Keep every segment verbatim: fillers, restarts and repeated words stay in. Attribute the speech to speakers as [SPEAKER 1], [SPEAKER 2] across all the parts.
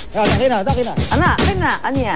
[SPEAKER 1] Yan, akin na, akin na.
[SPEAKER 2] Ana, akin na, aniya.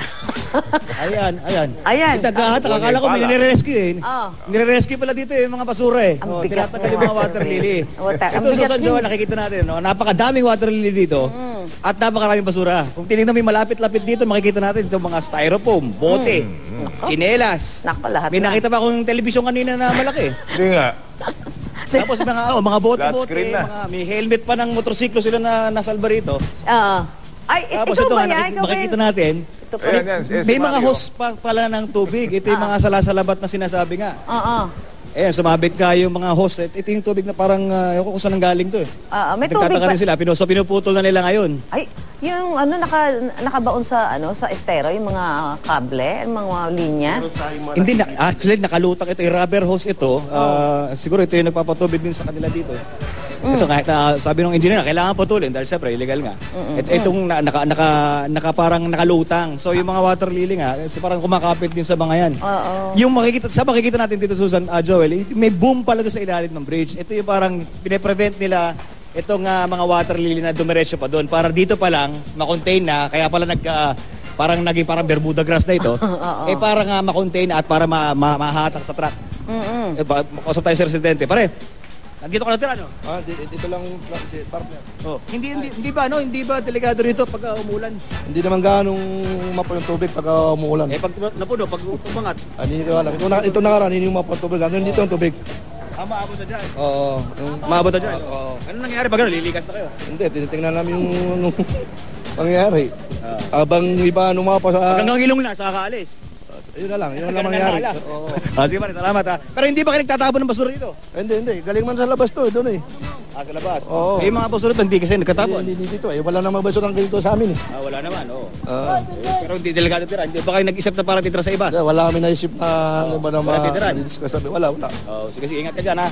[SPEAKER 1] Ayan, ayan.
[SPEAKER 2] Ayan.
[SPEAKER 1] Itagahat, akala ko may nire-rescue eh.
[SPEAKER 2] Oh.
[SPEAKER 1] Nire-rescue pala dito eh, yung mga basura eh.
[SPEAKER 2] Ang
[SPEAKER 1] Oh,
[SPEAKER 2] bigat
[SPEAKER 1] tinatanggal
[SPEAKER 2] ng
[SPEAKER 1] yung mga
[SPEAKER 2] water
[SPEAKER 1] water lily.
[SPEAKER 2] Water. Ang
[SPEAKER 1] Ito sa
[SPEAKER 2] bigat
[SPEAKER 1] San
[SPEAKER 2] din.
[SPEAKER 1] Joel, nakikita natin, no? Napakadaming water lily dito.
[SPEAKER 2] Mm.
[SPEAKER 1] At napakaraming basura. Kung tinignan mo yung malapit-lapit dito, makikita natin itong mga styrofoam, bote, tsinelas.
[SPEAKER 2] Nako, lahat
[SPEAKER 1] May
[SPEAKER 2] na.
[SPEAKER 1] nakita pa akong telebisyon kanina na malaki.
[SPEAKER 3] Hindi nga.
[SPEAKER 1] Tapos mga oh, mga
[SPEAKER 3] Flat
[SPEAKER 1] bote-bote,
[SPEAKER 3] screen na.
[SPEAKER 1] mga may helmet pa ng motorsiklo sila na nasalba rito.
[SPEAKER 2] Oo. Ay, it,
[SPEAKER 1] Tapos
[SPEAKER 2] ikaw
[SPEAKER 1] ito
[SPEAKER 2] ba
[SPEAKER 1] nga,
[SPEAKER 2] yan?
[SPEAKER 1] nakik-
[SPEAKER 2] Ikaw ba
[SPEAKER 1] makikita
[SPEAKER 2] yan?
[SPEAKER 1] natin,
[SPEAKER 2] Ito pa.
[SPEAKER 3] Ayan, yan. Eh,
[SPEAKER 1] may
[SPEAKER 3] si
[SPEAKER 1] mga
[SPEAKER 3] Mario.
[SPEAKER 1] hose pa pala ng tubig. Ito yung
[SPEAKER 2] Ah.
[SPEAKER 1] mga salasalabat na sinasabi nga.
[SPEAKER 2] Oo.
[SPEAKER 1] Eh, sumabit ka yung mga hose. Ito yung tubig na parang, uh, ewan ko kung saan galing to eh.
[SPEAKER 2] Oo, may tubig
[SPEAKER 1] Nagtataka
[SPEAKER 2] pa.
[SPEAKER 1] rin sila, Pino, so pinuputol na nila ngayon.
[SPEAKER 2] Ay, yung ano naka nakabaon sa ano sa estero yung mga kable, yung mga linya.
[SPEAKER 1] Hindi, na, actually nakalutang ito, yung rubber hose ito. Uh, siguro ito yung nagpapatubig din sa kanila dito. Ito kahit na, sabi ng engineer, kailangan putulin dahil siyempre illegal nga. It, itong na, naka, naka, naka parang nakalutang. So yung mga water lily nga, so parang kumakapit din sa mga yan.
[SPEAKER 2] Oo.
[SPEAKER 1] Yung makikita, sa makikita natin dito Susan, uh, Joel, may boom pala doon sa ilalim ng bridge. Ito yung parang pine-prevent nila itong uh, mga water lily na dumiretso pa doon. Para dito pa lang, makontain na, kaya pala nag... Uh, parang naging parang Bermuda grass na ito. Eh parang uh, makontain na at para ma, ma, mahatak sa truck.
[SPEAKER 2] Mm.
[SPEAKER 1] Eh, ba, makausap tayo sa residente. Pare, nandito ka natira, no?
[SPEAKER 4] Ah, dito, dito lang si partner.
[SPEAKER 1] Oh. Hindi, hindi, hindi ba, no? Hindi ba delikado rito pag uh, umulan?
[SPEAKER 4] Hindi naman ganong mapo yung tubig pag uh, umuulan.
[SPEAKER 1] Eh, pag tuma- napuno, pag tumangat,
[SPEAKER 4] Ah, hindi ko alam. Ito, na, ito nakaraan, hindi yung mapo yung tubig. Ano dito ang tubig?
[SPEAKER 1] ah, maabot na dyan.
[SPEAKER 4] Oo. yung-
[SPEAKER 1] Maabot na dyan.
[SPEAKER 4] Oo.
[SPEAKER 1] Ano nangyari pag ano? Lilikas na kayo?
[SPEAKER 4] Hindi, tinitingnan namin yung anong pangyayari. Habang iba numapa sa...
[SPEAKER 1] Hanggang ilong na, sa kakaalis.
[SPEAKER 4] Yun na lang, yun na
[SPEAKER 1] Ganun
[SPEAKER 4] lang mangyari.
[SPEAKER 1] na lang.
[SPEAKER 4] Oo.
[SPEAKER 1] Ah, sige pare, salamat ha. Pero hindi ba kayo nagtatapon ng basura dito?
[SPEAKER 4] Hindi, hindi. Galing man sa labas to, doon eh.
[SPEAKER 1] Ah, sa labas?
[SPEAKER 4] Oo.
[SPEAKER 1] Eh, yung mga basura dito, hindi kasi nagkatapon.
[SPEAKER 4] Hindi, hindi dito eh. Wala namang baso ng ganito sa amin eh.
[SPEAKER 1] Ah, wala naman, oo.
[SPEAKER 4] Ah.
[SPEAKER 1] Eh, pero hindi delikado tira. Hindi ba kayo nag-isip na para titira sa iba?
[SPEAKER 4] Kaya wala kami naisip na ano ba na
[SPEAKER 1] Wala titiran.
[SPEAKER 4] ma-discuss sabi. Wala, wala.
[SPEAKER 1] Oh, sige, sige, ingat ka dyan ha.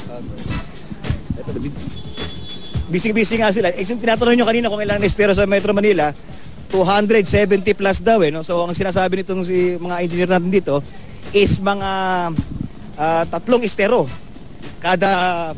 [SPEAKER 1] Ito, busy-busy nga sila. Eh, tinatanong nyo kanina kung ilang na-estero sa Metro Manila, two hundred seventy plus daw eh. No? So, ang sinasabi nitong si mga engineer natin dito is mga ah, tatlong estero kada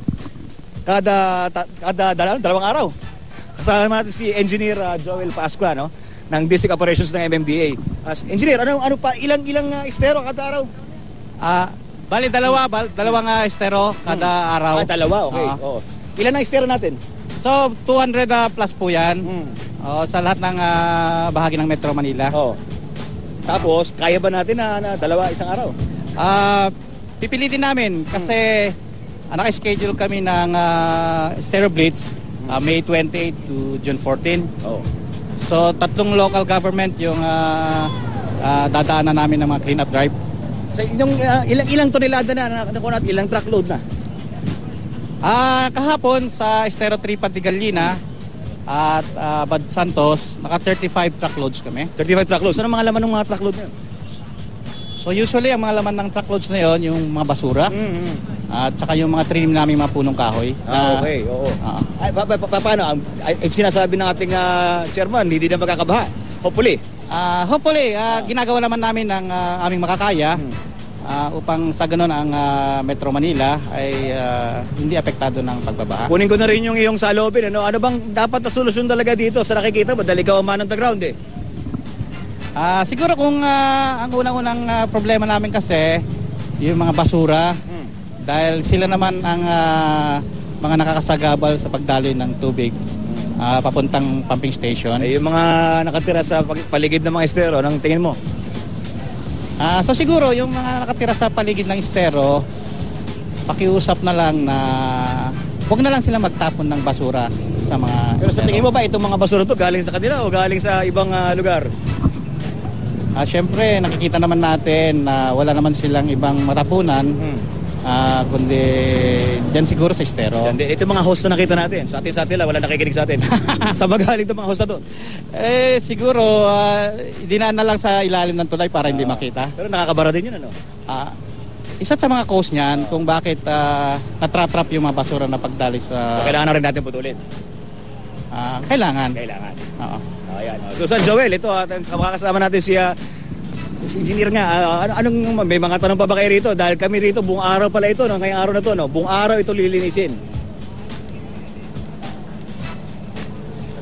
[SPEAKER 1] kada ta, kada dal- dalawang araw. Kasama natin si Engineer ah, Joel Pascua, no, ng District Operations ng M M D A. As engineer, ano ano pa ilang ilang ah, estero kada araw?
[SPEAKER 5] Ah, bali dalawa, bal, dalawang uh, estero kada araw.
[SPEAKER 1] Ah, dalawa, okay.
[SPEAKER 5] Ah.
[SPEAKER 1] Oo. Ilan ang estero natin?
[SPEAKER 5] So two hundred uh, plus po 'yan.
[SPEAKER 1] Hmm.
[SPEAKER 5] Oh, sa lahat ng ah, bahagi ng Metro Manila.
[SPEAKER 1] Oo. Tapos, kaya ba natin na, na dalawa isang araw?
[SPEAKER 5] Ah, pipilitin namin kasi uh, naka-schedule kami ng uh, Estero Blitz ah, May twenty-eight to June fourteen.
[SPEAKER 1] Oo.
[SPEAKER 5] So tatlong local government yung ah, ah, dadaanan namin ng mga clean up drive.
[SPEAKER 1] So, yung, ah, ilang ilang tonelada na, na, na, na ilang truckload na?
[SPEAKER 5] Ah, kahapon sa Estero three Pantigallina at ah, Bad Santos, naka thirty-five truckloads kami.
[SPEAKER 1] thirty-five truckloads. Ano mga laman ng mga truckload na yun?
[SPEAKER 5] So usually ang mga laman ng truckloads na yon yung mga basura
[SPEAKER 1] Mm-hmm.
[SPEAKER 5] at saka yung mga trinim namin mga punong kahoy.
[SPEAKER 1] Ah,
[SPEAKER 5] na-
[SPEAKER 1] okay, oo.
[SPEAKER 5] Ah.
[SPEAKER 1] Ay, pa, pa, pa, paano? Ang, ay, ay, sinasabi ng ating ah, chairman, hindi na magkakabaha. Hopefully.
[SPEAKER 5] Ah, hopefully, ah, ginagawa naman namin ang ah, aming makakaya
[SPEAKER 1] Hmm.
[SPEAKER 5] ah, upang sa ganun ang ah, Metro Manila ay ah, hindi apektado ng pagbabaha.
[SPEAKER 1] Kunin ko na rin yung iyong salobin. Ano, ano bang dapat na solusyon talaga dito sa nakikita mo? Dahil ikaw ang man on the ground eh.
[SPEAKER 5] Ah, siguro kung ah, ang unang-unang ah, problema namin kasi yung mga basura
[SPEAKER 1] Hmm.
[SPEAKER 5] dahil sila naman ang ah, mga nakakasagabal sa pagdaloy ng tubig ah, papuntang pumping station.
[SPEAKER 1] Ay, yung mga nakatira sa pag- paligid ng mga estero, anong tingin mo?
[SPEAKER 5] Ah, so siguro yung mga nakatira sa paligid ng estero, pakiusap na lang na huwag na lang sila magtapon ng basura sa mga
[SPEAKER 1] Pero sa
[SPEAKER 5] estero.
[SPEAKER 1] tingin mo ba itong mga basura to galing sa kanila o galing sa ibang ah, lugar?
[SPEAKER 5] Ah, syempre nakikita naman natin na wala naman silang ibang matapunan
[SPEAKER 1] Hmm.
[SPEAKER 5] ah, kundi dyan siguro sa estero.
[SPEAKER 1] Yan din. Ito mga host na nakita natin. Sa atin sa atin lang, wala nakikinig sa atin. Sa magaling itong mga host na to.
[SPEAKER 5] Eh siguro ah, dinaan na lang sa ilalim ng tulay para hindi makita.
[SPEAKER 1] Pero nakakabara din yun, ano?
[SPEAKER 5] Ah, isa sa mga cause niyan kung bakit uh, natrap-trap yung mga basura na pagdali sa
[SPEAKER 1] So, kailangan na rin natin putulin.
[SPEAKER 5] ah, kailangan.
[SPEAKER 1] Kailangan.
[SPEAKER 5] Oo.
[SPEAKER 1] Ayan. Oh. Susan Joel, ito at makakasama natin si, ah, si engineer nga. Ah, ano, anong may mga tanong pa ba kayo rito? Dahil kami rito buong araw pala ito, no? Ngayong araw na to, no? Buong araw ito lilinisin.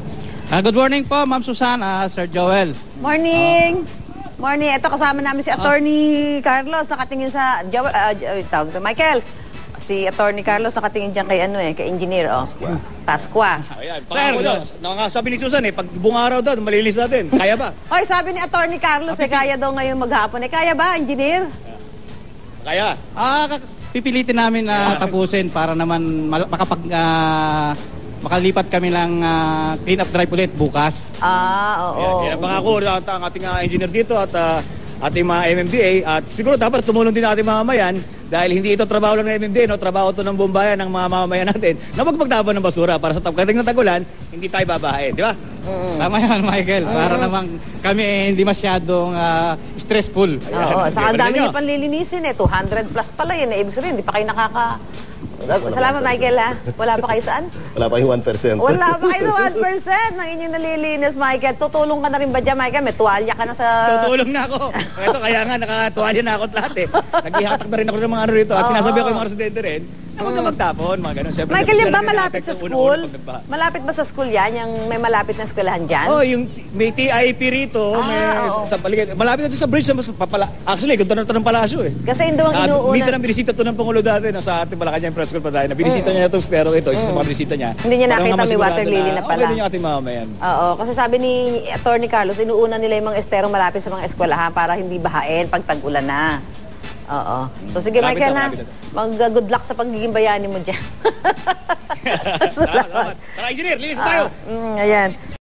[SPEAKER 5] Ah, good morning po, Ma'am Susan, ah, Sir Joel.
[SPEAKER 2] Morning! Morning. Ito kasama namin si Attorney Carlos, nakatingin sa... Joel, uh, tawag to, Michael. Si Attorney Carlos nakatingin dyan kay ano eh, kay engineer, oh. Pasqua.
[SPEAKER 1] Ayan, pangako daw. Nangangasabi ni Susan eh, pag buong araw daw, malinis natin. Kaya ba?
[SPEAKER 2] Hoy, sabi ni Attorney Carlos, eh, kaya daw ngayon maghapon. Eh, kaya ba, engineer?
[SPEAKER 1] Kaya.
[SPEAKER 5] Ah, kak- pipilitin namin na tapusin para naman mal- makapag ah, makalipat kami ng ah, clean up drive ulit bukas.
[SPEAKER 2] Ah, oo.
[SPEAKER 1] Yan, yan ang pangako at ang ating uh, engineer dito at uh, ating mga M M D A at siguro dapat tumulong din natin mga mamayan dahil hindi ito trabaho lang ng M M D A, no? Trabaho ito ng buong bayan ng mga mamamayan natin na magpagtapon ng basura para sa pagdating ng tagulan, hindi tayo babahain, di ba?
[SPEAKER 5] Tama yan, Michael. Para naman kami eh, hindi masyadong ah, stressful.
[SPEAKER 2] Oo,
[SPEAKER 1] Ayan,
[SPEAKER 2] saka ang
[SPEAKER 1] ayan,
[SPEAKER 2] dami
[SPEAKER 1] ayan.
[SPEAKER 2] niyo pang lilinisin eh. two hundred plus pala yun. Eh. Ibig sabihin, hindi pa kayo nakaka... Salamat, Michael, ha? Wala pa kayo saan?
[SPEAKER 4] Wala pa yung one percent.
[SPEAKER 2] Wala pa kayo sa one percent ng inyong nalilinis, Michael. Tutulong ka na rin ba dyan, Michael? May tuwalya ka na sa...
[SPEAKER 1] Tutulong na ako. Ito, kaya nga, nakatuwalya na ako at lahat eh. Naghihatak na rin ako ng mga ano rito. At
[SPEAKER 2] Oo.
[SPEAKER 1] sinasabi ko yung mga residente rin, na huwag na magtapon, mga ganun. Siyempre,
[SPEAKER 2] Michael,
[SPEAKER 1] sila
[SPEAKER 2] yan ba
[SPEAKER 1] rin
[SPEAKER 2] malapit sa
[SPEAKER 1] na-apekto
[SPEAKER 2] school?
[SPEAKER 1] unang-una pag nagbaha.
[SPEAKER 2] Malapit ba sa school yan? Yung may malapit na eskwelahan dyan?
[SPEAKER 1] Oh, yung may T I P rito,
[SPEAKER 2] Ah,
[SPEAKER 1] may
[SPEAKER 2] oo.
[SPEAKER 1] sa paligid. Malapit na ito sa bridge sa mas- papala. Actually, kung tanong ng palasyo eh.
[SPEAKER 2] Kasi yun daw ang
[SPEAKER 1] Ah,
[SPEAKER 2] inuuna.
[SPEAKER 1] minsan ang binisita to ng Pangulo dati no, sa ating Malacanang Press School pa tayo. Na binisita niya itong stero ito, isa sa mga binisita niya.
[SPEAKER 2] Hindi niya
[SPEAKER 1] Para
[SPEAKER 2] nakita
[SPEAKER 1] nga
[SPEAKER 2] may
[SPEAKER 1] masigurado
[SPEAKER 2] water lily na pala.
[SPEAKER 1] Okay din yung ating mamamayan.
[SPEAKER 2] Oo, kasi sabi ni Attorney Carlos, inuuna nila yung mga estero malapit sa mga eskwelahan para hindi bahain pag tag-ulan na. Oo. So sige,
[SPEAKER 1] Malapit
[SPEAKER 2] Michael,
[SPEAKER 1] na,
[SPEAKER 2] ha?
[SPEAKER 1] malapit na.
[SPEAKER 2] Mag-good luck sa pagiging bayani mo dyan.
[SPEAKER 1] Salamat. Tara, engineer, linis na tayo.
[SPEAKER 2] Mm, ayan.